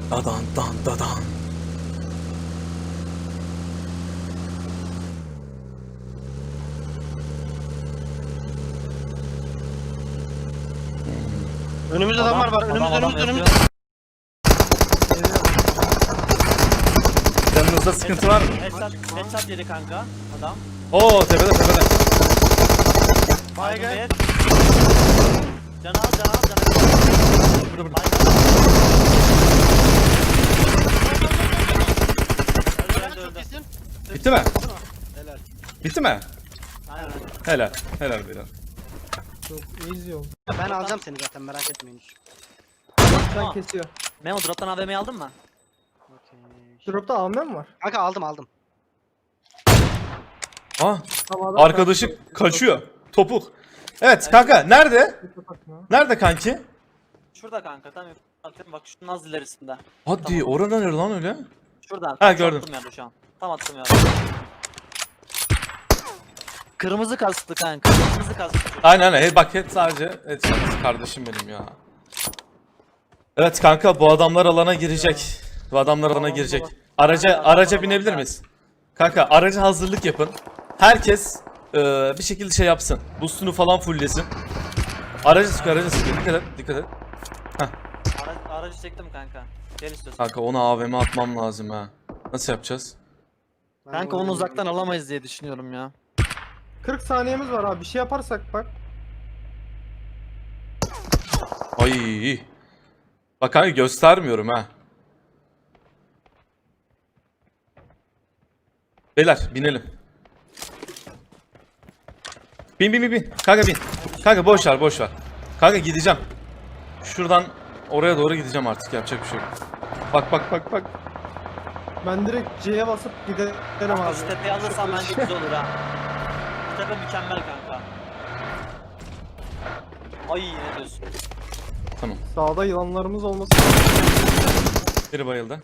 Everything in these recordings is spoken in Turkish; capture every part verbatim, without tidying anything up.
Dadan dan dadan. Önümüzde adamlar var. Önümüzde Adam, önümüzde adam önümüzde. Canınızda sıkıntı var mı? Headshot, headshot yedi kanka adam. Oo tepede tepede. Baygın. Baygın. Can al can al can al. Burada burada. Baygın. Öldü, öldü, öldü. Bitti mi? Helal. Bitti mi? Aynen. Helal. Helal Bilal. Çok easy oldu. Ben alacağım seni zaten, merak etmeyin hiç. Sen Tamam. kesiyor. Memo drop'tan A V M'yi aldın mı? Okey. Drop'ta A V M mi var? Kanka aldım aldım. Ah, Tamam, adam arkadaşı kaçtı. kaçıyor. Topuk. Evet kanka nerede? Bakma. Nerede kanki? Şurada kanka tam atıyorum bak şunun az ilerisinde. Hadi Tamam. oradan nere lan öyle? Şuradan. Ha, tam gördüm. Attım yerde şu an. Tam attım yerde. Kırmızı kastı kanka. Kırmızı kastı. Aynen aynen. Hey, bak hep sadece et kardeşim benim ya. Evet kanka bu adamlar alana girecek. Bu adamlar alana girecek. Araca araca binebilir miyiz? Kanka araca hazırlık yapın. Herkes eee, bir şekilde şey yapsın. Boostunu falan fulllesin. Aracı sık aracı sık. Dikkat et dikkat et. Ara, aracı çektim kanka. Gel istiyorsan. Kanka ona A V M atmam lazım ha. Nasıl yapacağız? Ben Kanka onu oyunu- uzaktan alamayız diye düşünüyorum ya. kırk saniyemiz var abi. Bir şey yaparsak bak. Ay. Bak kanka göstermiyorum ha. Beyler binelim. Bin bin bin bin. Kanka bin. Kanka boş ver boş ver. Kanka gideceğim. Şuradan oraya doğru gideceğim artık yapacak bir şey yok. Bak bak bak bak. Ben direkt C'ye basıp giderim abi. Şu tepeyi alırsan bence güzel olur ha. Şu tepe mükemmel kanka. Ay ne diyorsun? Tamam. Sağda yılanlarımız olması. Biri bayıldı.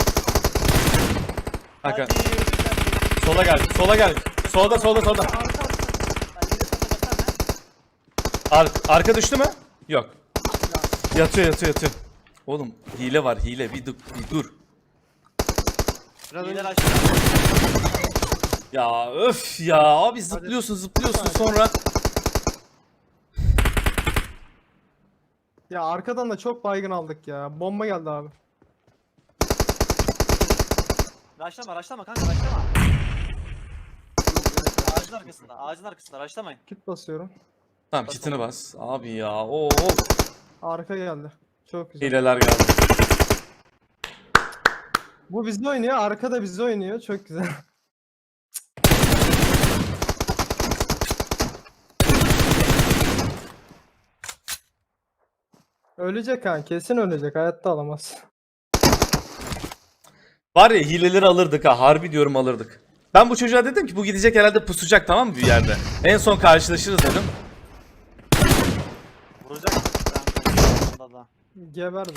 Kanka Hadi. sola gel. Sola gel. Solda solda solda. Arka arka. Ben yine sana gösterme. Ar arka düştü mü? Yok. Yatıyor yatıyor yatıyor. Oğlum hile var hile bir dur. Bir dur. Biraz İyiler önce- aşağı. Ya öf ya abi zıplıyorsun zıplıyorsun sonra. Ya arkadan da çok baygın aldık ya. Bomba geldi abi. Raşlama raşlama kanka raşlama. Ağacın arkasında ağacın arkasında raşlamayın. Kit basıyorum. Tamam kitini bas. Abi ya oo. Arka geldi. Çok güzel. Hileler geldi. Bu bizde oynuyor. Arka da bizde oynuyor. Çok güzel. Ölecek ha. Kesin ölecek. Hayatta alamaz. Var ya hileleri alırdık ha harbi diyorum alırdık. Ben bu çocuğa dedim ki bu gidecek herhalde pusacak tamam mı bir yerde. En son karşılaşırız dedim. Vuracak. Kanka. Da. Geberdi.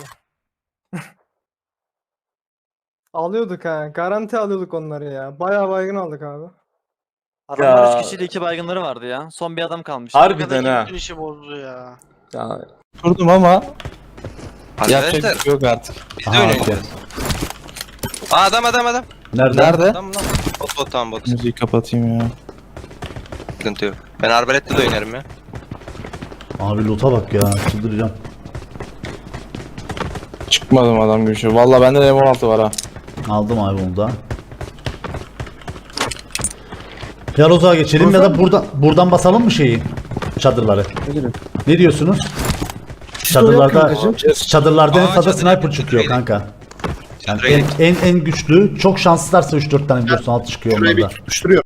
Alıyorduk ha. Garanti alıyorduk onları ya. Bayağı baygın aldık abi. Adamlar Ya. üç kişiyle iki baygınları vardı ya. Son bir adam kalmış. Harbiden Arkadaki ha. bütün işi bozdu ya. Ya, Kurdum ama yapacak Arkadaşlar bir şey yok artık. biz de oynayacağız. Aa adam adam adam. Nerede? Nerede? Adam lan. Bot bot tamam bot. Müziği kapatayım ya. Sıkıntı yok. Ben arbalette de oynarım ya. Abi loot'a bak ya, çıldıracağım. Çıkmadım adam gibi şey. Valla bende de M on altı var ha. Aldım abi onu da. Ya loot'a geçelim ya da buradan buradan basalım mı şeyi? Çadırları. Ne diyorsunuz? Çadırlarda çadırlarda en Aa, fazla çadır sniper yapın, çıkıyor çadır kanka. Yani Şuraya en, en en güçlü çok şanslılarsa üç dört tane biliyorsun altı çıkıyor onlarda. tutuşturuyor.